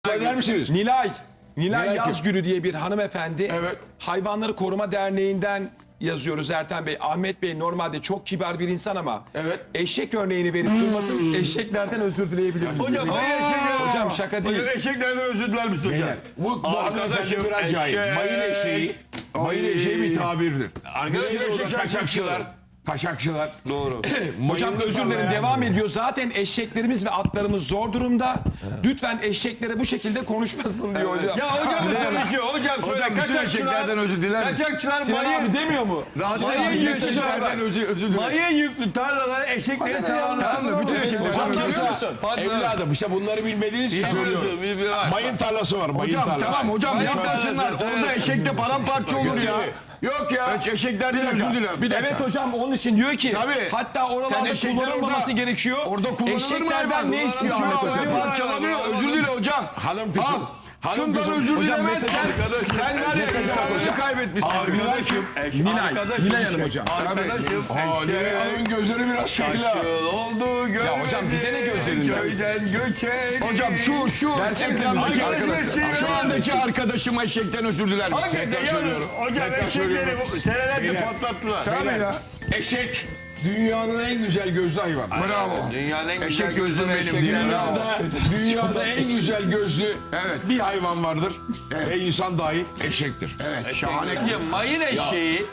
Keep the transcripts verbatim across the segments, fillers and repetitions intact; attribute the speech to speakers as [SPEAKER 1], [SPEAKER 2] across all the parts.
[SPEAKER 1] Söyler misiniz?
[SPEAKER 2] Nilay, Nilay
[SPEAKER 1] Nilay
[SPEAKER 2] Yazgülü diye bir hanımefendi.
[SPEAKER 1] Evet.
[SPEAKER 2] Hayvanları Koruma Derneği'nden yazıyoruz Ertem Bey. Ahmet Bey normalde çok kibar bir insan ama
[SPEAKER 1] Evet.
[SPEAKER 2] eşek örneğini verip durmasın, eşeklerden özür dileyebilir miyim?
[SPEAKER 3] Hocam hayır eşekler.
[SPEAKER 2] Hocam şaka değil.
[SPEAKER 3] Hocam eşeklerden özür diler misin hocam?
[SPEAKER 1] Bu, bu hanımefendi
[SPEAKER 3] Arkadaşım,
[SPEAKER 1] bir acayip.
[SPEAKER 3] eşek.
[SPEAKER 1] Mayın eşeği. Mayın eşeği bir tabirdir.
[SPEAKER 3] Arkadaşım,
[SPEAKER 1] Güneydoğu'da
[SPEAKER 3] eşek
[SPEAKER 1] kaçakçılar.
[SPEAKER 3] şarkısı.
[SPEAKER 1] Kaçakçılar.
[SPEAKER 3] Doğru.
[SPEAKER 2] Hocam özür dilerim, devam ediyor. Zaten eşeklerimiz ve atlarımız zor durumda. Lütfen eşeklere bu şekilde konuşmasın diyor hocam.
[SPEAKER 3] Ya hocam söyle ki hocam söyle
[SPEAKER 4] Hocam bütün
[SPEAKER 3] kaçakçılar.
[SPEAKER 4] eşeklerden özür diler misin?
[SPEAKER 3] Kaçakçılar
[SPEAKER 2] Sinan
[SPEAKER 3] mayın.
[SPEAKER 2] abi demiyor mu?
[SPEAKER 3] Mayın yüklü
[SPEAKER 4] Eşeklerden özür, özür dilerim.
[SPEAKER 3] Mayın yüklü tarlalara eşekleri selamlar.
[SPEAKER 4] Tamam mı? Bütün eşekler.
[SPEAKER 2] Hocam
[SPEAKER 1] Hocam,
[SPEAKER 2] görüyor musun?
[SPEAKER 1] Evladım işte bunları bilmediğiniz için söylüyorum. Mayın tarlası var. Mayın
[SPEAKER 4] Hocam
[SPEAKER 1] tarlası.
[SPEAKER 4] tamam hocam
[SPEAKER 3] Mayın
[SPEAKER 4] yapmasınlar.
[SPEAKER 3] tarlası,
[SPEAKER 4] Orada
[SPEAKER 3] evet.
[SPEAKER 4] eşekte paramparça olur ya.
[SPEAKER 1] Yok ya.
[SPEAKER 4] Eşeklerden özür dilerim.
[SPEAKER 1] Bir dakika.
[SPEAKER 2] Evet hocam, onun için diyor ki
[SPEAKER 4] Tabii.
[SPEAKER 2] hatta
[SPEAKER 4] Sen
[SPEAKER 2] oralarda
[SPEAKER 4] eşekler
[SPEAKER 2] kullanılmaması
[SPEAKER 4] orada-
[SPEAKER 2] gerekiyor.
[SPEAKER 4] Orada kullanılır mı
[SPEAKER 2] Eşeklerden
[SPEAKER 4] hayvan?
[SPEAKER 2] ne istiyor
[SPEAKER 4] Uçuyor,
[SPEAKER 2] Ahmet hocam?
[SPEAKER 4] havaya parçalanıyor. Özür dile hocam.
[SPEAKER 1] Hanım kızım. Hanım
[SPEAKER 4] Şundan
[SPEAKER 1] kızım.
[SPEAKER 4] özür
[SPEAKER 2] Hocam
[SPEAKER 4] dilemezsen
[SPEAKER 2] mesaj-
[SPEAKER 4] sen var ya insanları kaybetmişsin.
[SPEAKER 3] Arkadaşım.
[SPEAKER 2] Nilay,
[SPEAKER 3] arkadaşım,
[SPEAKER 2] Nilay Hanım hocam.
[SPEAKER 3] Arkadaşım.
[SPEAKER 1] Aa, Nilay Hanım'ın gözleri biraz şekil ha.
[SPEAKER 3] Yıl oldu görmedim.
[SPEAKER 2] Ya hocam bize ne gözlerinden?
[SPEAKER 3] Köyden göçelim.
[SPEAKER 4] Hocam şu şu
[SPEAKER 2] Versenize
[SPEAKER 4] ekrandaki
[SPEAKER 2] müziği
[SPEAKER 4] arkadaşım. Şu andaki arkadaşım eşekten özür diler misin?
[SPEAKER 3] Hakikaten
[SPEAKER 1] söylüyorum.
[SPEAKER 3] yalnız hocam eşekleri senelerce patlattılar.
[SPEAKER 4] Tabii ya.
[SPEAKER 1] Eşek dünyanın en güzel gözlü hayvan.
[SPEAKER 4] Bravo.
[SPEAKER 3] Dünyanın en güzel
[SPEAKER 4] Eşek gözlü benim
[SPEAKER 3] eşekleri.
[SPEAKER 4] diye.
[SPEAKER 1] Dünyada, dünyada en güzel gözlü
[SPEAKER 4] Evet.
[SPEAKER 1] bir hayvan vardır. Ve insan dahil eşektir.
[SPEAKER 4] Evet şahane.
[SPEAKER 3] Ya mayın eşeği.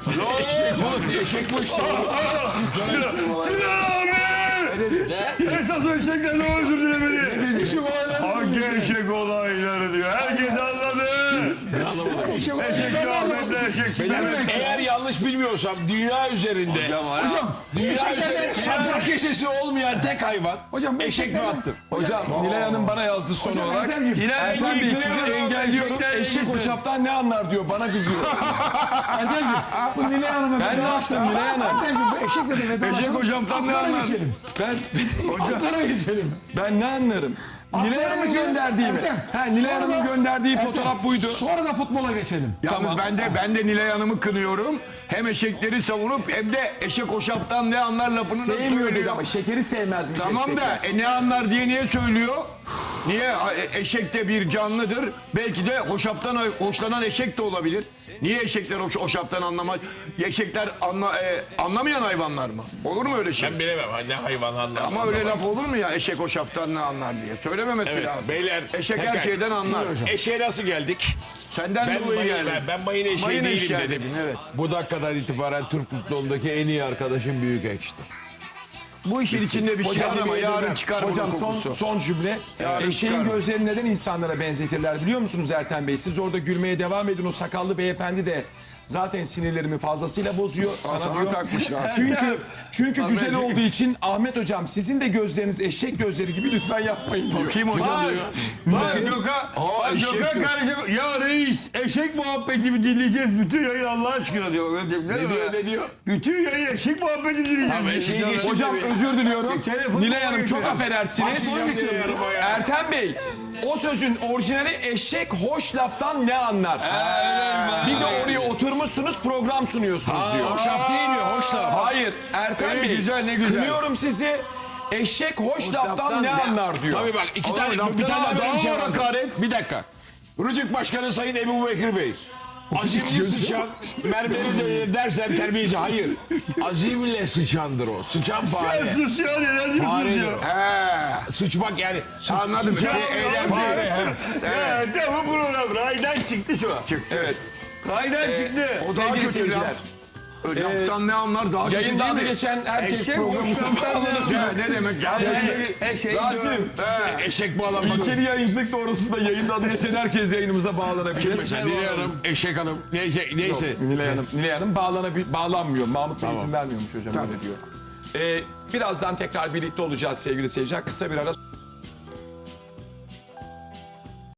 [SPEAKER 1] Eşek bu işte.
[SPEAKER 3] Sinan abi! Esas o eşeklerden özür dilemeli. Hangi eşek olayları diyor. Herkes anladı. Eşek Ahmet'le eşek Sinan.
[SPEAKER 1] Eğer yanlış bilmiyorsam dünya üzerinde
[SPEAKER 3] Hocam.
[SPEAKER 1] dünya üzerinde safra kesesi olmayan tek hayvan eşek ve attır.
[SPEAKER 2] Hocam Nilay Hanım bana yazdı son olarak.
[SPEAKER 3] Sinan
[SPEAKER 2] Ertem
[SPEAKER 3] Engin,
[SPEAKER 2] Bey sizi
[SPEAKER 3] Nilay Hanım,
[SPEAKER 2] engelliyorum.
[SPEAKER 3] eşekler
[SPEAKER 2] Eşek
[SPEAKER 3] ilgisi.
[SPEAKER 2] hoşaftan ne anlar diyor. Bana kızıyor.
[SPEAKER 5] Bu Nilay Hanım'a
[SPEAKER 2] Ben ne yaptım Nilay Hanım?
[SPEAKER 5] bu eşekle de veda.
[SPEAKER 4] Eşek hocamdan ne anlar?
[SPEAKER 5] geçelim.
[SPEAKER 2] Ben
[SPEAKER 5] Atlara geçelim.
[SPEAKER 2] ben ne anlarım? Nilay Hanım'ın
[SPEAKER 5] geçelim.
[SPEAKER 2] gönderdiği mi?
[SPEAKER 5] Ertem,
[SPEAKER 2] Ha, Nilay
[SPEAKER 5] sonra
[SPEAKER 2] Hanım'ın
[SPEAKER 5] da-
[SPEAKER 2] gönderdiği
[SPEAKER 5] Ertem,
[SPEAKER 2] fotoğraf buydu.
[SPEAKER 5] Sonra da futbola geçelim.
[SPEAKER 4] Yalnız ben de ben de Nilay Hanım'ı kınıyorum. Hem eşekleri savunup hem de eşek hoşaftan ne anlar lafını nasıl
[SPEAKER 2] Sevmiyor dedi
[SPEAKER 4] söylüyor.
[SPEAKER 2] ama şekeri sevmezmiş
[SPEAKER 4] Tamam
[SPEAKER 2] eşekler.
[SPEAKER 4] da e, ne anlar diye niye söylüyor? Niye? E, Eşek de bir canlıdır. Belki de hoşaftan hoşlanan eşek de olabilir. Niye eşekler hoş, hoşaftan anlamaz? Eşekler anla, e, anlamayan hayvanlar mı? Olur mu öyle şey?
[SPEAKER 6] Ben bilemem ne hayvan anlar.
[SPEAKER 4] Ama öyle laf olur mu ya eşek hoşaftan ne anlar diye? Söylememesi
[SPEAKER 6] Evet,
[SPEAKER 4] lazım.
[SPEAKER 6] beyler,
[SPEAKER 4] Eşek her
[SPEAKER 6] tekrar.
[SPEAKER 4] şeyden anlar.
[SPEAKER 6] Eşeğe nasıl geldik?
[SPEAKER 4] Senden
[SPEAKER 6] Ben
[SPEAKER 4] dolayı
[SPEAKER 6] mayın,
[SPEAKER 4] geldim.
[SPEAKER 6] ben, ben mayın eşeği
[SPEAKER 4] Mayın
[SPEAKER 6] değilim
[SPEAKER 4] eşeği
[SPEAKER 6] dedim.
[SPEAKER 4] dedin, evet.
[SPEAKER 1] Bu dakikadan itibaren Türk futbolundaki en iyi arkadaşım büyük ekşidir.
[SPEAKER 4] Bu işin içinde bir şey var ama
[SPEAKER 1] Hocam,
[SPEAKER 4] yarın çıkar
[SPEAKER 2] Hocam
[SPEAKER 4] bunun
[SPEAKER 2] son
[SPEAKER 4] kokusu.
[SPEAKER 2] son cümle.
[SPEAKER 4] Yarın
[SPEAKER 2] Eşeğin
[SPEAKER 4] çıkar.
[SPEAKER 2] gözlerini neden insanlara benzetirler biliyor musunuz Ertem Bey? Siz orada gülmeye devam edin, o sakallı beyefendi de zaten sinirlerimi fazlasıyla bozuyor. Sana,
[SPEAKER 4] sana
[SPEAKER 2] diyor.
[SPEAKER 4] takmışlar.
[SPEAKER 2] Çünkü çünkü güzel
[SPEAKER 3] Ahmet-
[SPEAKER 2] olduğu için Ahmet hocam sizin de gözleriniz eşek gözleri gibi lütfen yapmayın diyor.
[SPEAKER 4] Kim hocam
[SPEAKER 3] Bak,
[SPEAKER 4] diyor.
[SPEAKER 3] bak Gökhan,
[SPEAKER 4] Aa,
[SPEAKER 3] bak
[SPEAKER 4] eşek
[SPEAKER 3] Gökhan
[SPEAKER 4] diyor.
[SPEAKER 3] kardeşim, ya reis eşek muhabbetimi dinleyeceğiz bütün yayın Allah aşkına diyor. Öyle değil mi?
[SPEAKER 1] Ne diyor, ne diyor?
[SPEAKER 3] Bütün yayın eşek muhabbetimi dinleyeceğiz.
[SPEAKER 1] Abi, eşeği
[SPEAKER 3] diyor.
[SPEAKER 1] geçin.
[SPEAKER 2] Hocam
[SPEAKER 1] Tabii.
[SPEAKER 2] özür diliyorum.
[SPEAKER 3] Telefonu
[SPEAKER 2] Nilay Hanım çok
[SPEAKER 3] geçelim.
[SPEAKER 2] affedersiniz.
[SPEAKER 1] Başlayacağım Nilay Hanım'a ya.
[SPEAKER 2] Ertem Bey o sözün orijinali eşek hoş laftan ne anlar? Bir de oraya oturmuşsunuz program sunuyorsunuz diyor.
[SPEAKER 1] Hoşaf değil mi? Hoş laf.
[SPEAKER 2] Hayır Ertem
[SPEAKER 4] Evet,
[SPEAKER 2] Bey
[SPEAKER 4] güzel, ne güzel.
[SPEAKER 2] kınıyorum sizi. Eşek hoş, laftan,
[SPEAKER 1] laftan
[SPEAKER 2] ne
[SPEAKER 1] ne-
[SPEAKER 2] anlar diyor.
[SPEAKER 1] Tabii bak iki
[SPEAKER 4] Oğlum,
[SPEAKER 1] tane
[SPEAKER 4] laftan
[SPEAKER 1] bir tane
[SPEAKER 4] daha
[SPEAKER 1] daha bir şey
[SPEAKER 4] var
[SPEAKER 1] var.
[SPEAKER 4] hakaret.
[SPEAKER 1] Bir dakika. Rütük Başkanı Sayın Ebu Bekir Bey. Azimli sıçan, mermeri de dersen terbiyeci. Hayır. Azimle sıçandır o. Sıçan fare.
[SPEAKER 3] Sus ya neler diyorsunuz
[SPEAKER 1] Faredir.
[SPEAKER 3] ya.
[SPEAKER 1] He, sıçmak yani. Anladım.
[SPEAKER 3] Ya,
[SPEAKER 1] Bir eylem
[SPEAKER 3] ya,
[SPEAKER 1] değil.
[SPEAKER 3] Evet. Bu program raydan çıktı şu an.
[SPEAKER 2] Evet.
[SPEAKER 3] Raydan çıktı.
[SPEAKER 4] O daha
[SPEAKER 2] Sevgili
[SPEAKER 4] kötü
[SPEAKER 2] seyirciler.
[SPEAKER 4] laf. Laftan ne anlar daha kötü
[SPEAKER 2] Yayında
[SPEAKER 4] değil
[SPEAKER 2] adı
[SPEAKER 4] mi?
[SPEAKER 2] geçen herkes
[SPEAKER 3] Eşek
[SPEAKER 2] programımıza
[SPEAKER 3] hoş laftan
[SPEAKER 2] bağlanır.
[SPEAKER 3] ne
[SPEAKER 4] Ya ne demek ya?
[SPEAKER 3] Yani eşek
[SPEAKER 2] Rasim.
[SPEAKER 3] diyor.
[SPEAKER 1] Eşek bağlanmak.
[SPEAKER 2] İlkeli yayıncılık doğrultusunda yayında adı geçen herkes yayınımıza bağlanabilir.
[SPEAKER 1] Mesela Nilay Hanım, Eşek Hanım. Neyse. neyse.
[SPEAKER 2] Nilay Hanım, Nilay Hanım bağlanabi- bağlanmıyor. Mahmut Bey izin vermiyormuş hocam öyle diyor. Ee, birazdan tekrar birlikte olacağız sevgili seyirciler. Kısa bir ara.